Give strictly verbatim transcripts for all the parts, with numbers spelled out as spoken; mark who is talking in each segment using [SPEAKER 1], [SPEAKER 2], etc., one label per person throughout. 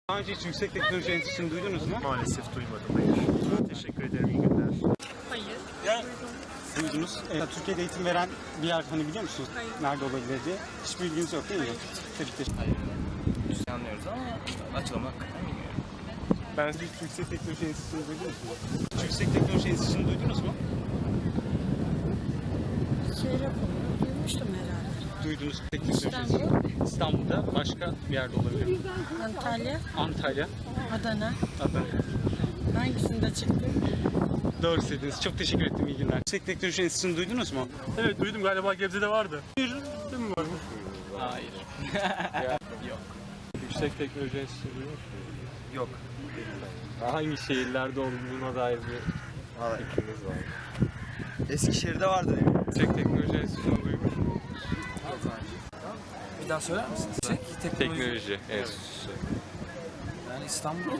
[SPEAKER 1] Daha önce hiç yüksek teknoloji enstitüsünü duydunuz mu?
[SPEAKER 2] Maalesef duymadım. Hayır. Teşekkür ederim. İyi günler.
[SPEAKER 3] Hayır.
[SPEAKER 1] Ya. Duydunuz. Evet, Türkiye'de eğitim veren bir yer hani biliyor musunuz?
[SPEAKER 3] Hayır.
[SPEAKER 1] Nerede olabilir diye. Hiçbir bilginiz yok değil mi? Tebrikler.
[SPEAKER 4] Hayır. Anlıyoruz ama açılmak bilmiyorum.
[SPEAKER 1] Ben hiç yüksek teknoloji enstitüsünü duydunuz mu? Hiç yüksek teknoloji enstitüsünü duydunuz mu?
[SPEAKER 3] Şehre duymuştum herhalde.
[SPEAKER 1] Duydunuz. Teknoloji
[SPEAKER 3] İstanbul,
[SPEAKER 1] İstanbul'da başka bir yerde olabilir.
[SPEAKER 3] Antalya,
[SPEAKER 1] Antalya.
[SPEAKER 3] Adana.
[SPEAKER 1] Adana.
[SPEAKER 3] Hangisinde çıktı?
[SPEAKER 1] Doğru söylediniz. Çok teşekkür ettim. İyi günler. Yüksek teknoloji enstitüsünü duydunuz mu?
[SPEAKER 2] Evet duydum, galiba Gebze'de vardı. Bir değil mi var?
[SPEAKER 4] Hayır. Yok.
[SPEAKER 5] Yüksek teknoloji enstitüsü duymuş muydunuz?
[SPEAKER 4] Yok.
[SPEAKER 5] Hangi şehirlerde olduğuna dair bir fikriniz var?
[SPEAKER 4] Eskişehir'de vardı.
[SPEAKER 5] Yüksek teknoloji enstitüsünü duymuş muydunuz?
[SPEAKER 4] Bir daha söyler misiniz? Teknoloji.
[SPEAKER 5] Teknoloji enstitüsü.
[SPEAKER 4] Yani İstanbul'da.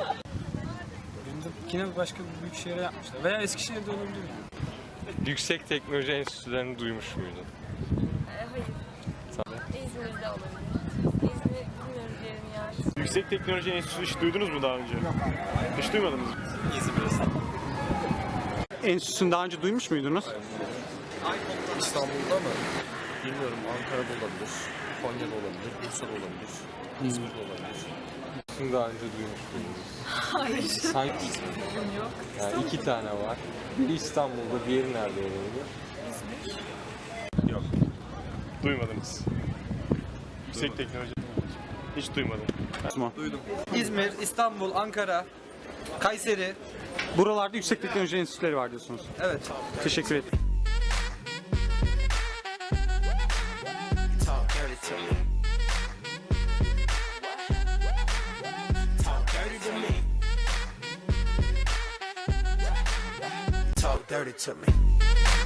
[SPEAKER 4] Yine başka bir büyük şehre yapmışlar. Veya Eskişehir'de olabilir mi?
[SPEAKER 5] Yüksek teknoloji enstitülerini duymuş muydun?
[SPEAKER 6] Hayır. İzmir'de olabilir. İzmir bilmiyorum diyelim yani.
[SPEAKER 2] Yüksek Teknoloji Enstitüsü hiç duydunuz mu daha önce? Yok. Hiç duymadınız mı?
[SPEAKER 1] Enstitüsünü daha önce duymuş muydunuz?
[SPEAKER 7] İstanbul'da mı? Bilmiyorum. Ankara'da olabilir, Konya'da olabilir, Bursa'da olabilir, İzmir'de olabilir.
[SPEAKER 5] Bunu daha önce duymuş muydunuz? Hayır. Sanki yok. Yani iki tane var. Biri İstanbul'da, diğeri nerede olabilir?
[SPEAKER 2] Yok. Duymadınız. Yüksek Teknoloji. Hiç duymadım.
[SPEAKER 4] Duydum. İzmir, İstanbul, Ankara, Kayseri.
[SPEAKER 1] Buralarda yüksek teknoloji enstitüleri var diyorsunuz.
[SPEAKER 4] Evet.
[SPEAKER 1] Teşekkür ederim.
[SPEAKER 8] Talk dirty to me. Talk dirty to me. Talk dirty to me.